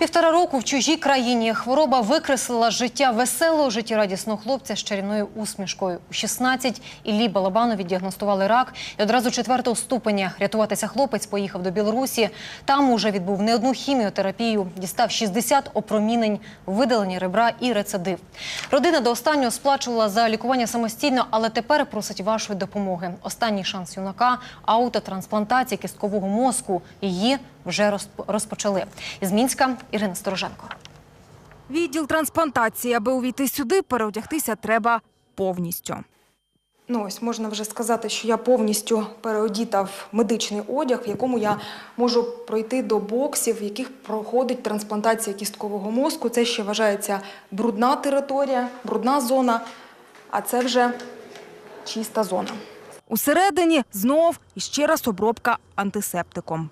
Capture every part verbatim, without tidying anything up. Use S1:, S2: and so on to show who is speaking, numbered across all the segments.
S1: Півтора року в чужій країні хвороба викреслила життя веселого, життєрадісного хлопця з чарівною усмішкою. У шістнадцять Іллі Балабанові діагностували рак і одразу четвертого ступеня. Рятуватися хлопець поїхав до Білорусі. Там уже відбув не одну хіміотерапію, дістав шістдесят опромінень, видалення ребра і рецидив. Родина до останнього сплачувала за лікування самостійно, але тепер просить вашої допомоги. Останній шанс юнака – аутотрансплантація кісткового мозку. Її вже розпочали. Із Мінська Ірина Стороженко.
S2: Відділ трансплантації. Аби увійти сюди, переодягтися треба повністю.
S3: Ну ось, можна вже сказати, що я повністю переодіта в медичний одяг, в якому я можу пройти до боксів, в яких проходить трансплантація кісткового мозку. Це ще вважається брудна територія, брудна зона, а це вже чиста зона.
S2: Усередині знов і ще раз обробка антисептиком.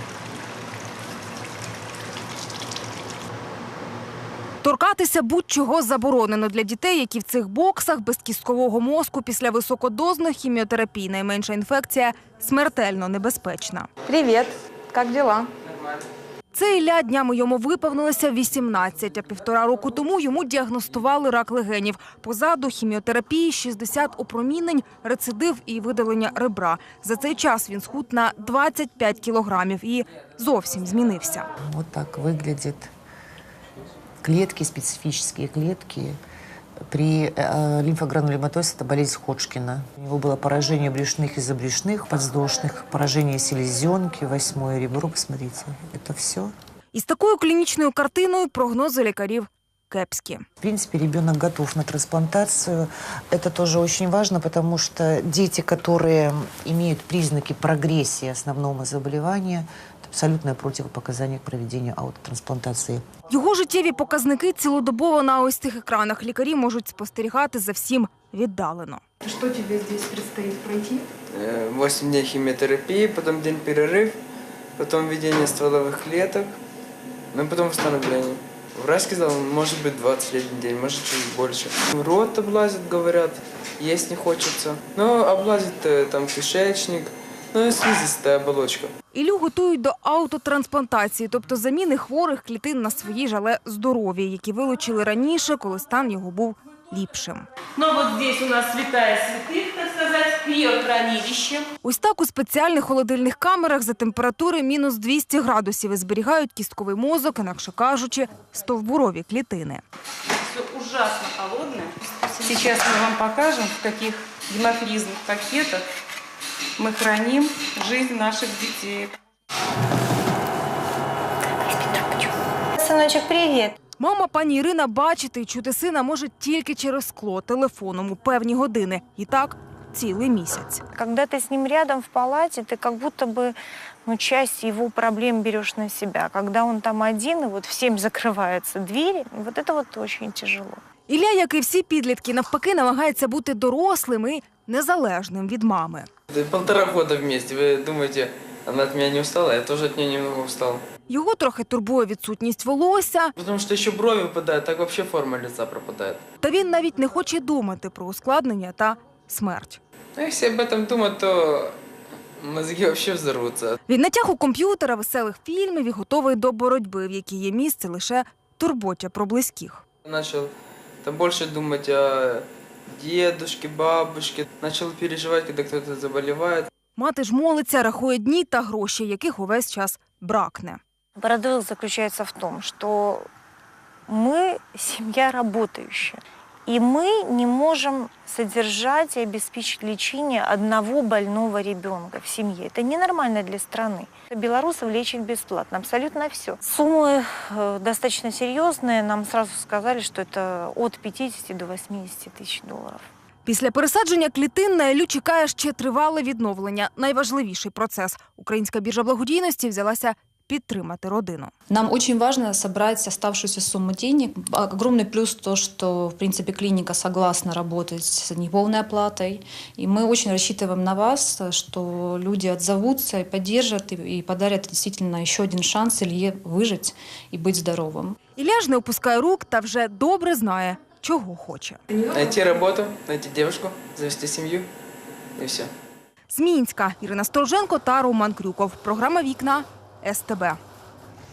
S2: Торкатися будь-чого заборонено для дітей, які в цих боксах без кісткового мозку після високодозної хіміотерапії. Найменша інфекція смертельно небезпечна.
S3: Привіт, як діла?
S2: Це Ілля, днями йому виповнилося вісімнадцять, а півтора року тому йому діагностували рак легенів. Позаду хіміотерапії, шістдесят опромінень, рецидив і видалення ребра. За цей час він схуд на двадцять п'ять кілограмів і зовсім змінився.
S4: Ось так виглядить. Клетки, специфические клетки. При э, лимфогранулематозе это болезнь Ходжкина. У него было поражение брюшных и забрюшных, подвздошных, поражение селезенки, восьмое ребро. Посмотрите, это все.
S2: Із такою клінічною картиною прогнози лікарів кепські.
S4: В принципе, ребенок готов на трансплантацию. Это тоже очень важно, потому что дети, которые имеют признаки прогрессии основного заболевания, это абсолютное противопоказание к проведению аутотрансплантации.
S2: Його життєві показники цілодобово на ось цих екранах. Лікарі можуть спостерігати за всім віддалено.
S3: Що тобі тут предстоїть пройти?
S5: восемь дней химиотерапии, потом день перерыв, потом введение стволовых клеток, ну и потом восстановление. Врач сказал, может быть двадцать один день, может чуть больше. Рот облазит, говорят, есть не хочется. Но облазит там кишечник, ну и слизистая оболочка.
S2: Іллю готують до аутотрансплантації, тобто заміни хворих клітин на свої ж, але здорові, які вилучили раніше, коли стан його був ліпшим.
S6: Ну вот здесь у нас святая святых, так сказать, криохранилище.
S2: Ось так у спеціальних холодильних камерах за температури мінус двісті градусів і зберігають кістковий мозок, інакше кажучи, стовбурові клітини.
S6: Все ужасно холодное. Сейчас мы вам покажем, в каких гемофризных пакетах мы храним жизнь наших детей.
S7: Сыночек, привет.
S2: Мама пані Ірина бачити і чути сина може тільки через скло, телефоном у певні години. І так цілий місяць.
S7: Когда ты с ним рядом в палате, ты как будто бы ну, часть его проблем берешь на себя. Когда он там один, и вот в семь закрываются двери, вот это вот очень тяжело.
S2: Ілля, як і всі підлітки, навпаки, намагається бути дорослим і незалежним від мами.
S5: Полтора года вместе, вы думаете, она от меня не устала? Я тоже от нее немного устал.
S2: Його трохи турбує відсутність волосся.
S5: Потому что еще брови выпадают, так вообще форма лица пропадает.
S2: Та він навіть не хоче думати про ускладнення та смерть.
S5: Ну, если об этом думать, то мозги вообще взорвутся.
S2: Від натягу комп'ютера, веселих фільмів і готовий до боротьби, в якій є місце лише турботі про близьких.
S5: Начал там больше думать о дедушке, бабушке. Начал переживать, когда кто-то заболевает.
S2: Мати ж молиться, рахує дні та гроші, яких увесь час бракне.
S7: Парадокс заключается в том, что мы семья работающая, и мы не можем содержать и обеспечить лечение одного больного ребенка в семье. Это ненормально для страны. Белорусов лечат бесплатно, абсолютно все. Суммы э, достаточно серьезные. Нам сразу сказали, что это от пятидесяти до восьмидесяти тысяч долларов.
S2: Після пересадження клітин на Іллю чекає ще тривале відновлення. Найважливіший процес. Українська біржа благодійності взялася підтримати родину.
S8: Нам очень важно собрать оставшуюся сумму денег. Огромный плюс то, что, в принципе, клиника согласна работать с неполной оплатой. И мы очень рассчитываем на вас, что люди отзовутся и поддержат, и подарят действительно еще один шанс Илье выжить и быть здоровым.
S2: Ілля ж не опускає рук та вже добре знає, чого хоче.
S5: Найти работу, найти девушку, завести семью и все.
S2: З Мінська Ірина Стороженко та Роман Крюков. Програма «Вікна» ес те бе.